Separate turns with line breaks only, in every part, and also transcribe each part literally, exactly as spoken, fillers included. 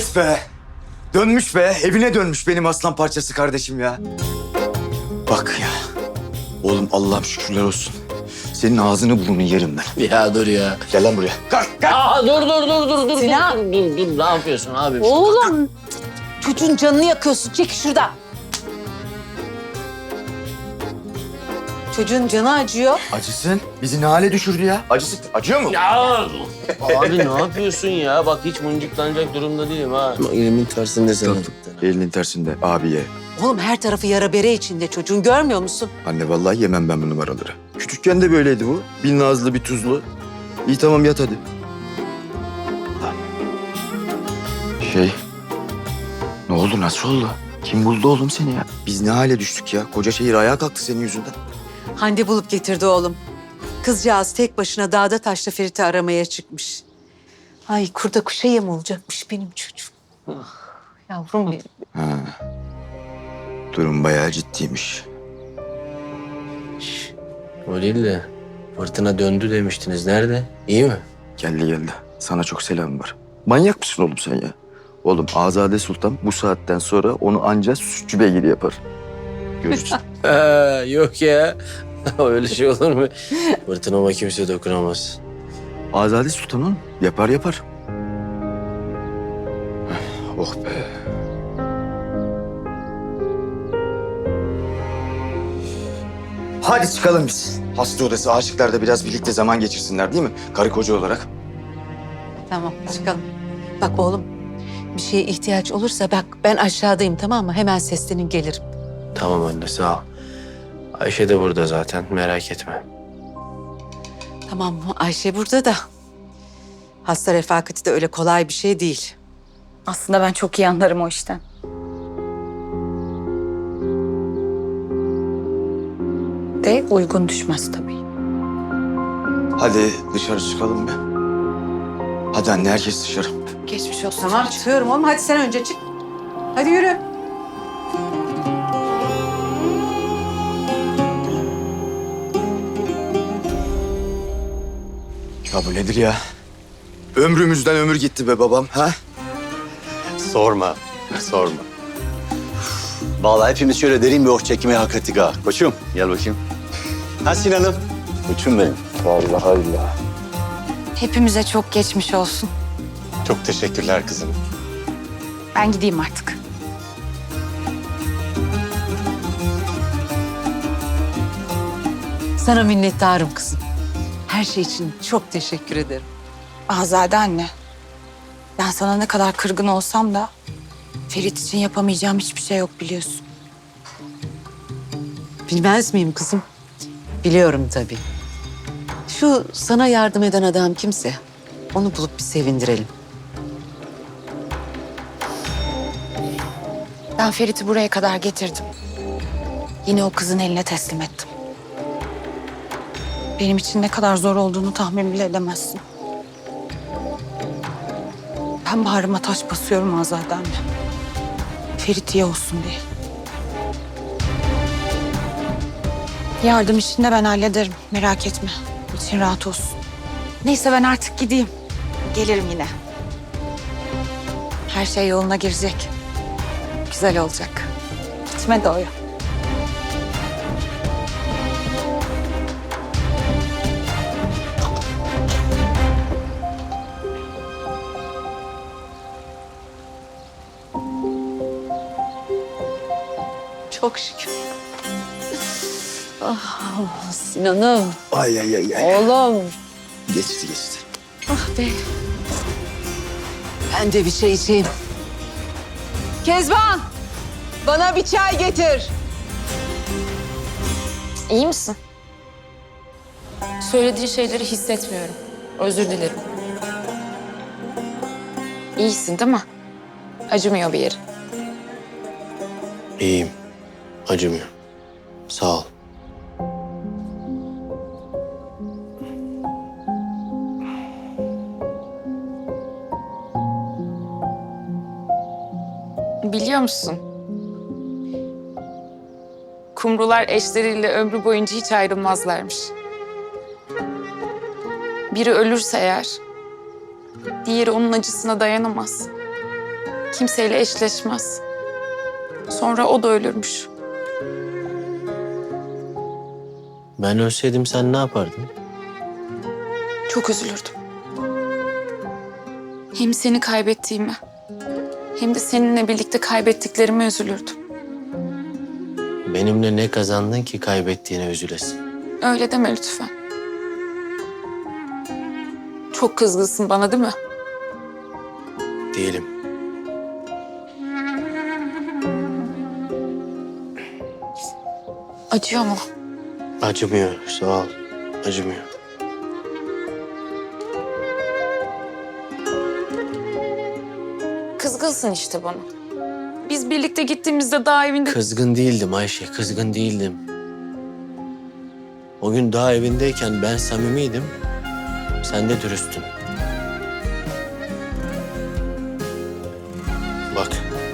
Yes be. Dönmüş be. Evine dönmüş benim aslan parçası kardeşim ya. Bak ya. Oğlum Allah'ım şükürler olsun. Senin ağzını burnunu yerim ben.
Ya dur ya.
Gel lan buraya. Kalk kalk.
Aa, dur dur dur dur dur.
Sinan.
Dur dur dur. Ne yapıyorsun abi?
Oğlum, çocuğun canını yakıyorsun. Çek şuradan. Çocuğun canı acıyor.
Acısın. Bizi ne hale düşürdü ya? Acısı. Acıyor mu?
Ya abi ne yapıyorsun ya? Bak hiç mıncıklanacak durumda değilim ha. Elimin tersinde sen.
Elinin tersinde abiye.
Oğlum her tarafı yara bere içinde çocuğun, görmüyor musun?
Anne vallahi yemem ben bu numaraları. Küçükken de böyleydi bu. Bir nazlı bir tuzlu. İyi tamam yat hadi. Şey... Ne oldu nasıl oldu? Kim buldu oğlum seni ya? Biz ne hale düştük ya? Koca şehir ayağa kalktı senin yüzünden.
Hande bulup getirdi oğlum. Kızcağız tek başına dağda taşta Ferit'i aramaya çıkmış. Ay kurda kuşa yem olacakmış benim çocuğum. Ah, yavrum benim.
Ha. Durum bayağı ciddiymiş.
O değil de fırtına döndü demiştiniz. Nerede? İyi mi?
Geldi geldi. Sana çok selam var. Manyak mısın oğlum sen ya? Oğlum Azade Sultan bu saatten sonra onu ancak sütçü beygiri yapar. Görürsün.
Ha, yok ya. Öyle şey olur mu? Fırtınama kimse dokunamaz.
Azade Sultan oğlum. Yapar yapar. Oh be. Hadi çıkalım biz. Hasta odası aşıklar da biraz birlikte zaman geçirsinler değil mi? Karı koca olarak.
Tamam çıkalım. Bak oğlum, bir şeye ihtiyaç olursa bak ben aşağıdayım, tamam mı? Hemen seslenin gelirim.
Tamam anne sağ ol. Ayşe de burada zaten merak etme.
Tamam mı? Ayşe burada da. Hasta refakati de öyle kolay bir şey değil.
Aslında ben çok iyi anlarım o işten. De uygun düşmez tabii.
Hadi dışarı çıkalım be. Hadi anne herkes dışarı.
Geçmiş olsun.
Tamam çıkıyorum oğlum, hadi sen önce çık. Hadi yürü.
Ya bu nedir ya? Ömrümüzden ömür gitti be babam ha?
Sorma, sorma. Vallahi hepimiz şöyle derin bir oh çekmeye hak ettik ha. Koçum, gel bakayım. Ha Sinan'ım. Koçum benim.
Vallahi billahi.
Hepimize çok geçmiş olsun.
Çok teşekkürler kızım.
Ben gideyim artık.
Sana minnettarım kızım. Her şey için çok teşekkür ederim.
Azade anne. Ben sana ne kadar kırgın olsam da Ferit için yapamayacağım hiçbir şey yok biliyorsun.
Bilmez miyim kızım? Biliyorum tabii. Şu sana yardım eden adam kimse, onu bulup bir sevindirelim.
Ben Ferit'i buraya kadar getirdim. Yine o kızın eline teslim ettim. Benim için ne kadar zor olduğunu tahmin bile edemezsin. Ben bağrıma taş basıyorum Azade anne. Ferit iyi olsun diye. Yardım işini de ben hallederim. Merak etme. İçin rahat olsun. Neyse ben artık gideyim. Gelirim yine. Her şey yoluna girecek. Güzel olacak. Gitme de oya.
Çok şükür. Ah Sinan'ım,
Ay ay ay ay.
oğlum.
Geçti geçti.
Ah be. Ben de bir şey içeyim. Kezban, bana bir çay getir.
İyi misin? Söylediğin şeyleri hissetmiyorum. Özür dilerim. İyisin değil mi? Acımıyor bir yeri.
İyiyim. Acımıyor. Sağ ol.
Biliyor musun? Kumrular eşleriyle ömrü boyunca hiç ayrılmazlarmış. Biri ölürse eğer, diğeri onun acısına dayanamaz. Kimseyle eşleşmez. Sonra o da ölürmüş.
Ben ölseydim sen ne yapardın?
Çok üzülürdüm. Hem seni kaybettiğime hem de seninle birlikte kaybettiklerime üzülürdüm.
Benimle ne kazandın ki kaybettiğine üzülesin?
Öyle deme lütfen. Çok kızgınsın bana değil mi?
Değilim.
Acıyor mu?
Acımıyor, sağ ol. Acımıyor.
Kızgınsın işte bana. Biz birlikte gittiğimizde daha evinde...
Kızgın değildim Ayşe, kızgın değildim. O gün daha evindeyken ben samimiydim, sen de dürüsttün. Bak.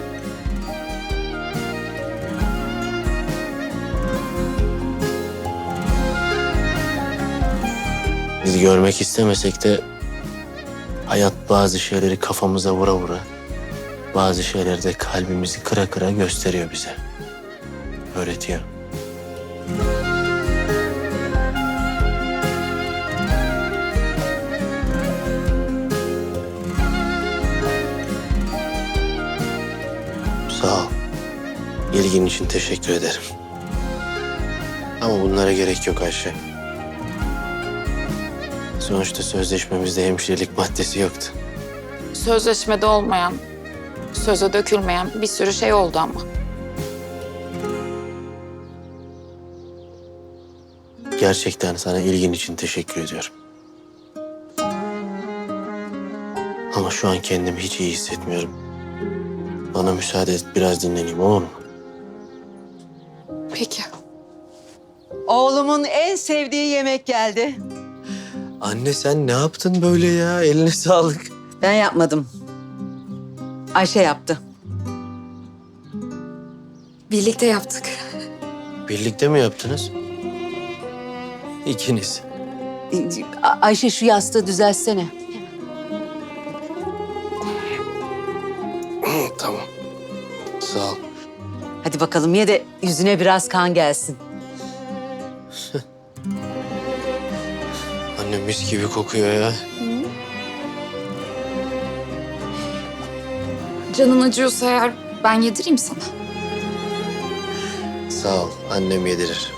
Biz görmek istemesek de hayat bazı şeyleri kafamıza vura vura, bazı şeyleri de kalbimizi kıra kıra gösteriyor bize. Öğretiyor. Sağ ol. İlgin için teşekkür ederim. Ama bunlara gerek yok Ayşe. Sonuçta sözleşmemizde hemşirelik maddesi yoktu.
Sözleşmede olmayan, söze dökülmeyen bir sürü şey oldu ama.
Gerçekten sana ilgin için teşekkür ediyorum. Ama şu an kendimi hiç iyi hissetmiyorum. Bana müsaade et, biraz dinleneyim, olur mu?
Peki.
Oğlumun en sevdiği yemek geldi.
Anne sen ne yaptın böyle ya? Eline sağlık.
Ben yapmadım. Ayşe yaptı.
Birlikte yaptık.
Birlikte mi yaptınız? İkiniz.
A- Ayşe şu yastığı düzeltsene.
Tamam. Sağ ol.
Hadi bakalım ye de yüzüne biraz kan gelsin.
Anne mis gibi kokuyor ya.
Canın acıyorsa eğer ben yedireyim sana.
Sağ ol. Annem yedirir.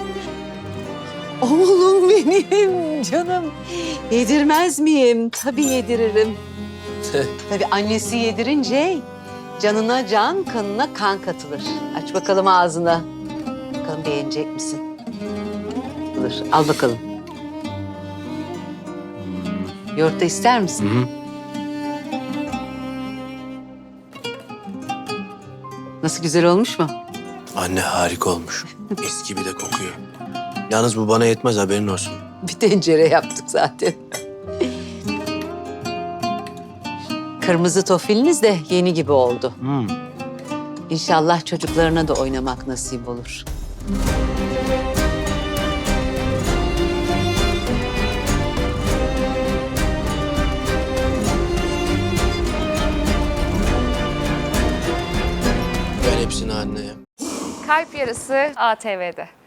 Oğlum benim canım. Yedirmez miyim? Tabii yediririm. Tabii annesi yedirince canına can, kanına kan katılır. Aç bakalım ağzına. Bakalım beğenecek misin? Dur, al bakalım. Yoğurt da ister misin?
Hı hı.
Nasıl, güzel olmuş mu?
Anne harika olmuş. Mis gibi de kokuyor. Yalnız bu bana yetmez, haberin olsun.
Bir tencere yaptık zaten. Kırmızı tofiliniz de yeni gibi oldu.
Hmm.
İnşallah çocuklarına da oynamak nasip olur.
Ver hepsini anneye.
Kalp Yarısı A T V'de.